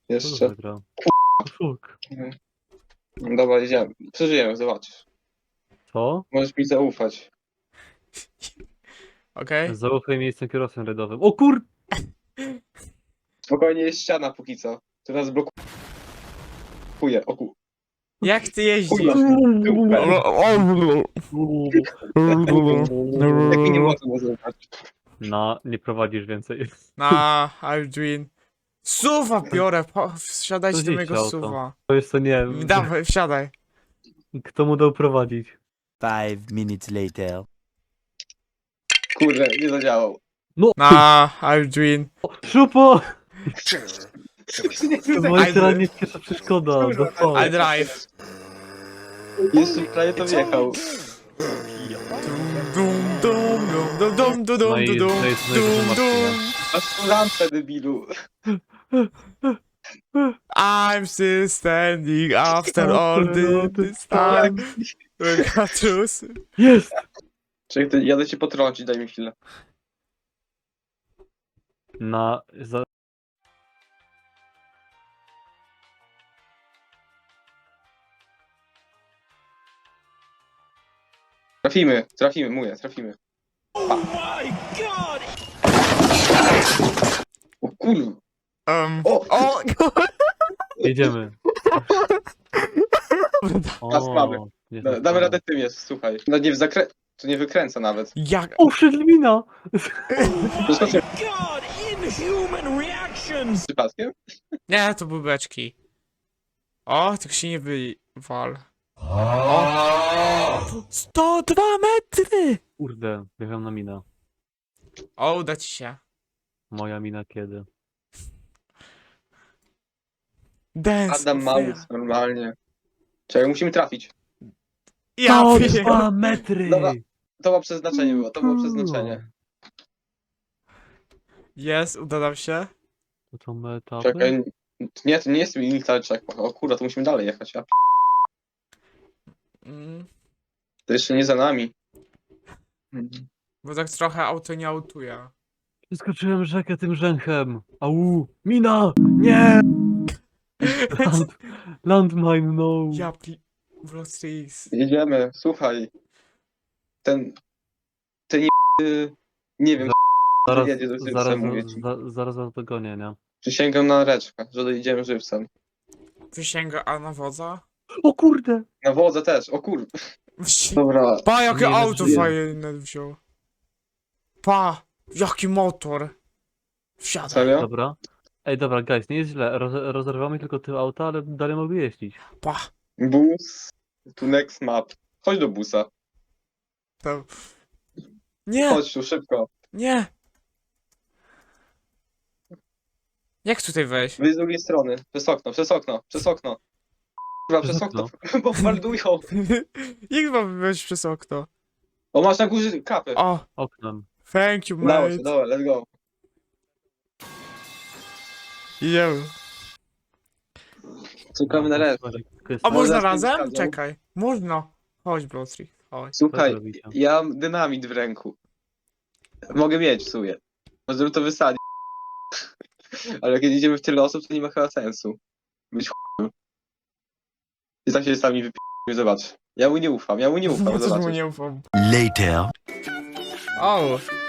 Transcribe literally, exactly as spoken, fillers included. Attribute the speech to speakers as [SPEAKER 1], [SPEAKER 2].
[SPEAKER 1] Jeszcze.
[SPEAKER 2] Wygrał. Szuk.
[SPEAKER 1] No dobra, idziemy. Przeżyjemy, zobaczysz.
[SPEAKER 2] Co?
[SPEAKER 1] Możesz mi zaufać.
[SPEAKER 3] Okej?
[SPEAKER 2] Zaufaj mi, jestem kierowcą rajdowym. O kur...
[SPEAKER 1] Spokojnie, jest ściana póki co. Teraz blokuje. O ku...
[SPEAKER 3] Jak ty jeździsz?
[SPEAKER 1] Kurwa. Jaki nie można nazywać.
[SPEAKER 2] No, nie prowadzisz więcej.
[SPEAKER 3] Na, I'm doing... Suwa biorę, po, wsiadajcie do
[SPEAKER 2] Gdzieś
[SPEAKER 3] mojego
[SPEAKER 2] auto.
[SPEAKER 3] suwa.
[SPEAKER 2] To jest to nie...
[SPEAKER 3] Dawaj, wsiadaj.
[SPEAKER 2] Kto mu dał prowadzić?
[SPEAKER 4] Five minutes later.
[SPEAKER 1] Kurde, nie zadziałał.
[SPEAKER 3] Na, I'm doing...
[SPEAKER 2] Szupo! To była
[SPEAKER 3] I-
[SPEAKER 2] jeszcze nie pierwsza przeszkoda.
[SPEAKER 1] Kurwa,
[SPEAKER 2] Do fal.
[SPEAKER 3] I drive.
[SPEAKER 1] Jeszcze prawie to wjechał.
[SPEAKER 3] Dum, dum, dum, dum, dum, dum, dum,
[SPEAKER 2] No i
[SPEAKER 3] dum, dum,
[SPEAKER 2] to jest
[SPEAKER 3] dum,
[SPEAKER 2] najwyżej
[SPEAKER 3] dum.
[SPEAKER 1] Masz tu lampę, debilu.
[SPEAKER 3] I'm still standing after all the, this time. Katrus.
[SPEAKER 2] Jest!
[SPEAKER 1] Czekaj, ty- jadę cię potrącić, daj mi chwilę.
[SPEAKER 2] Na... Za...
[SPEAKER 1] Trafimy, trafimy, mówię, trafimy. O kurwa.
[SPEAKER 3] Um,
[SPEAKER 1] O!
[SPEAKER 3] o,
[SPEAKER 2] Jedziemy.
[SPEAKER 1] Raz mamy.
[SPEAKER 2] jest
[SPEAKER 1] Da,
[SPEAKER 2] na
[SPEAKER 1] damy
[SPEAKER 2] fal.
[SPEAKER 1] radę tym jest, słuchaj. No nie w zakrę... To nie wykręca nawet.
[SPEAKER 3] jak...
[SPEAKER 2] O, Szydlmina!
[SPEAKER 1] Przeskoczyłem
[SPEAKER 5] God, inhuman reactions!
[SPEAKER 1] przypadkiem?
[SPEAKER 3] Nie, to były beczki. O, tylko się nie wywal. O! sto dwa metry!
[SPEAKER 2] Kurde, wjechałem na mina.
[SPEAKER 3] O, uda ci się.
[SPEAKER 2] Moja mina kiedy?
[SPEAKER 3] Dance.
[SPEAKER 1] Adam
[SPEAKER 3] fair.
[SPEAKER 1] Maus, normalnie. Czekaj, musimy trafić.
[SPEAKER 3] Ja
[SPEAKER 2] O,
[SPEAKER 3] wiem.
[SPEAKER 2] dwa metry!
[SPEAKER 1] Dobra. To było przeznaczenie było, to było przeznaczenie.
[SPEAKER 3] Jest, uda nam się.
[SPEAKER 2] To są me etapy?
[SPEAKER 1] Czekaj, nie, to nie jest military checkpoint. O kurwa, to musimy dalej jechać, ja p-
[SPEAKER 3] Mm,
[SPEAKER 1] To jeszcze nie za nami.
[SPEAKER 3] bo tak trochę auto nie autuje.
[SPEAKER 2] Przeskoczyłem rzekę tym rzęchem. Au! Mina! Nie! Land, landmine, no!
[SPEAKER 3] Ja pli... Vlog Strix.
[SPEAKER 1] Jedziemy, słuchaj. Ten... Ten nie... Nie wiem,
[SPEAKER 2] Zaraz,
[SPEAKER 1] jedzie do żywcem,
[SPEAKER 2] zaraz,
[SPEAKER 1] mówię ci.
[SPEAKER 2] za, zaraz was dogonię, nie?
[SPEAKER 1] Przysięgam na reczkę, że dojedziemy żywcem.
[SPEAKER 3] Wysięga, a na wodza?
[SPEAKER 2] O kurde!
[SPEAKER 1] Na wodze też, o kur...
[SPEAKER 3] Wsi-
[SPEAKER 1] Dobra.
[SPEAKER 3] Pa, jakie
[SPEAKER 2] Nie,
[SPEAKER 3] auto
[SPEAKER 2] nie.
[SPEAKER 3] fajne wziął. Pa, jaki motor. Wsiadaj.
[SPEAKER 1] Serio?
[SPEAKER 2] Dobra. Ej, dobra, guys, nie jest źle. Roz, rozerwamy tylko tył auta, ale dalej mogę jeździć.
[SPEAKER 3] Pa.
[SPEAKER 1] Bus. Tu next map. Chodź do busa.
[SPEAKER 3] To... Nie,
[SPEAKER 1] Chodź tu, szybko.
[SPEAKER 3] nie. Jak tutaj wejść?
[SPEAKER 1] Wyjdź z drugiej strony. Przez okno, przez okno, przez okno. Kurwa, przez
[SPEAKER 2] Przez
[SPEAKER 1] okno. Bombardują.
[SPEAKER 3] Jak mam wejść przez okno?
[SPEAKER 1] O, masz na górze kapy.
[SPEAKER 3] O,
[SPEAKER 2] Oknem.
[SPEAKER 3] thank you,
[SPEAKER 1] Udało
[SPEAKER 3] mate.
[SPEAKER 1] się, dobra, let's go.
[SPEAKER 3] Idziemy.
[SPEAKER 1] Czekamy na resztę.
[SPEAKER 3] A można
[SPEAKER 1] zaraz
[SPEAKER 3] razem?
[SPEAKER 1] wysadzą.
[SPEAKER 3] Czekaj. Można. Chodź, Bloodstreak, chodź.
[SPEAKER 1] Słuchaj,
[SPEAKER 2] zrobicie?
[SPEAKER 1] ja mam dynamit w ręku. Mogę mieć w sumie. Możemy to wysadzić. Ale kiedy idziemy w tyle osób, to nie ma chyba sensu. Być ch**em. I tak się sami wypi***my, zobacz. Ja mu nie ufam, ja mu nie
[SPEAKER 3] Ja
[SPEAKER 1] ufam,
[SPEAKER 3] też mu
[SPEAKER 1] zobacz.
[SPEAKER 3] nie ufam.
[SPEAKER 4] Later.
[SPEAKER 3] O,